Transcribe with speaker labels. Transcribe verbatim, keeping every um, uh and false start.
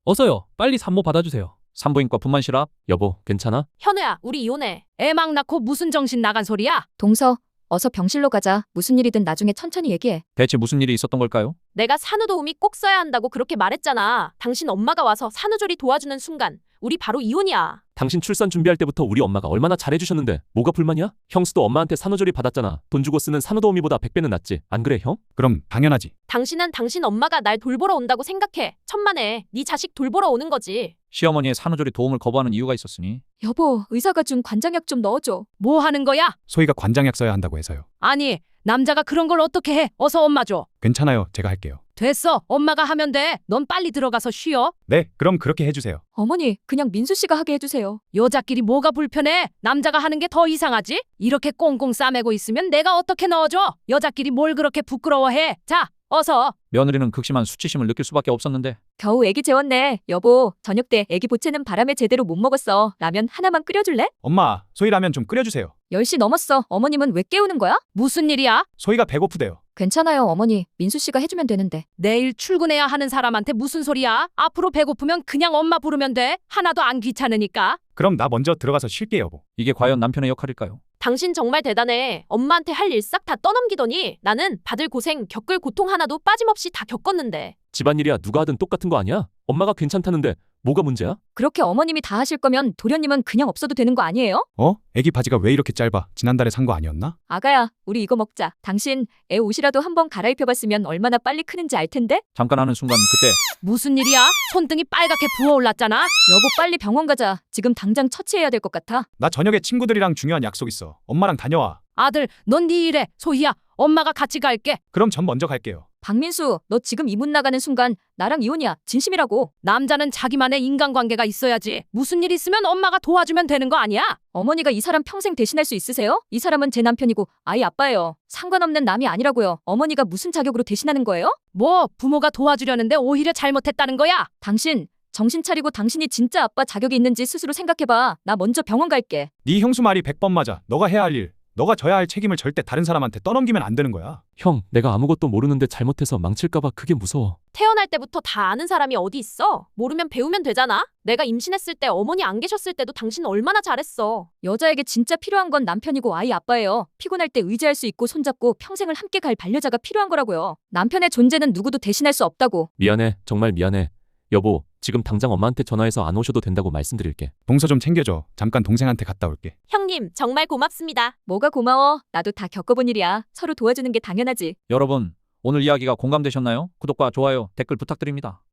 Speaker 1: 어서요. 빨리 산모 받아주세요. 산부인과 분만실앞. 여보, 괜찮아?
Speaker 2: 현우야, 우리 이혼해. 애 막 낳고 무슨 정신 나간 소리야?
Speaker 3: 동서, 어서 병실로 가자. 무슨 일이든 나중에 천천히 얘기해.
Speaker 1: 대체 무슨 일이 있었던 걸까요?
Speaker 2: 내가 산후도우미 꼭 써야 한다고 그렇게 말했잖아. 당신 엄마가 와서 산후조리 도와주는 순간 우리 바로 이혼이야.
Speaker 4: 당신 출산 준비할 때부터 우리 엄마가 얼마나 잘해주셨는데 뭐가 불만이야? 형수도 엄마한테 산후조리 받았잖아. 돈 주고 쓰는 산후도우미보다 백 배는 낫지. 안 그래 형?
Speaker 5: 그럼 당연하지.
Speaker 2: 당신은 당신 엄마가 날 돌보러 온다고 생각해. 천만에 네 자식 돌보러 오는 거지.
Speaker 1: 시어머니의 산후조리 도움을 거부하는 이유가 있었으니.
Speaker 3: 여보, 의사가 준 관장약 좀 넣어줘.
Speaker 2: 뭐 하는 거야?
Speaker 5: 소희가 관장약 써야 한다고 해서요.
Speaker 2: 아니, 남자가 그런 걸 어떻게 해? 어서 엄마 줘.
Speaker 5: 괜찮아요. 제가 할게요.
Speaker 2: 됐어. 엄마가 하면 돼. 넌 빨리 들어가서 쉬어.
Speaker 5: 네, 그럼 그렇게 해주세요.
Speaker 3: 어머니, 그냥 민수 씨가 하게 해주세요.
Speaker 2: 여자끼리 뭐가 불편해? 남자가 하는 게 더 이상하지? 이렇게 꽁꽁 싸매고 있으면 내가 어떻게 넣어줘? 여자끼리 뭘 그렇게 부끄러워해? 자, 어서.
Speaker 1: 며느리는 극심한 수치심을 느낄 수밖에 없었는데.
Speaker 3: 겨우 애기 재웠네. 여보, 저녁 때 애기 보채는 바람에 제대로 못 먹었어. 라면 하나만 끓여줄래?
Speaker 5: 엄마, 소희 라면 좀 끓여주세요.
Speaker 3: 열 시 넘었어. 어머님은 왜 깨우는 거야?
Speaker 2: 무슨 일이야?
Speaker 5: 소희가 배고프대요.
Speaker 3: 괜찮아요, 어머니. 민수 씨가 해주면 되는데.
Speaker 2: 내일 출근해야 하는 사람한테 무슨 소리야? 앞으로 배고프면 그냥 엄마 부르면 돼. 하나도 안 귀찮으니까.
Speaker 5: 그럼 나 먼저 들어가서 쉴게 여보.
Speaker 1: 이게 과연 남편의 역할일까요?
Speaker 2: 당신 정말 대단해. 엄마한테 할 일 싹 다 떠넘기더니 나는 받을 고생, 겪을 고통 하나도 빠짐없이 다 겪었는데.
Speaker 4: 집안일이야 누가 하든 똑같은 거 아니야? 엄마가 괜찮다는데 뭐가 문제야?
Speaker 3: 그렇게 어머님이 다 하실 거면 도련님은 그냥 없어도 되는 거 아니에요?
Speaker 5: 어? 애기 바지가 왜 이렇게 짧아? 지난달에 산 거 아니었나?
Speaker 3: 아가야, 우리 이거 먹자. 당신 애 옷이라도 한번 갈아입혀봤으면 얼마나 빨리 크는지 알 텐데?
Speaker 1: 잠깐 하는 순간 그때.
Speaker 2: 무슨 일이야? 손등이 빨갛게 부어올랐잖아.
Speaker 3: 여보, 빨리 병원 가자. 지금 당장 처치해야 될 것 같아.
Speaker 5: 나 저녁에 친구들이랑 중요한 약속 있어. 엄마랑 다녀와.
Speaker 2: 아들, 넌 네 일해. 소희야, 엄마가 같이 갈게.
Speaker 5: 그럼 전 먼저 갈게요.
Speaker 3: 박민수, 너 지금 이문 나가는 순간 나랑 이혼이야. 진심이라고.
Speaker 2: 남자는 자기만의 인간관계가 있어야지. 무슨 일 있으면 엄마가 도와주면 되는 거 아니야?
Speaker 3: 어머니가 이 사람 평생 대신할 수 있으세요? 이 사람은 제 남편이고 아이 아빠예요. 상관없는 남이 아니라고요. 어머니가 무슨 자격으로 대신하는 거예요?
Speaker 2: 뭐 부모가 도와주려는데 오히려 잘못했다는 거야?
Speaker 3: 당신 정신 차리고 당신이 진짜 아빠 자격이 있는지 스스로 생각해봐. 나 먼저 병원 갈게.
Speaker 5: 네 형수 말이 백 번 맞아. 너가 해야 할 일, 너가 져야 할 책임을 절대 다른 사람한테 떠넘기면 안 되는 거야.
Speaker 4: 형, 내가 아무것도 모르는데 잘못해서 망칠까봐 그게 무서워.
Speaker 2: 태어날 때부터 다 아는 사람이 어디 있어? 모르면 배우면 되잖아. 내가 임신했을 때 어머니 안 계셨을 때도 당신 얼마나 잘했어.
Speaker 3: 여자에게 진짜 필요한 건 남편이고 아이 아빠예요. 피곤할 때 의지할 수 있고 손잡고 평생을 함께 갈 반려자가 필요한 거라고요. 남편의 존재는 누구도 대신할 수 없다고.
Speaker 4: 미안해. 정말 미안해. 여보, 지금 당장 엄마한테 전화해서 안 오셔도 된다고 말씀드릴게.
Speaker 5: 동서 좀 챙겨줘. 잠깐 동생한테 갔다 올게.
Speaker 2: 형님, 정말 고맙습니다.
Speaker 3: 뭐가 고마워. 나도 다 겪어본 일이야. 서로 도와주는 게 당연하지.
Speaker 1: 여러분, 오늘 이야기가 공감되셨나요? 구독과 좋아요, 댓글 부탁드립니다.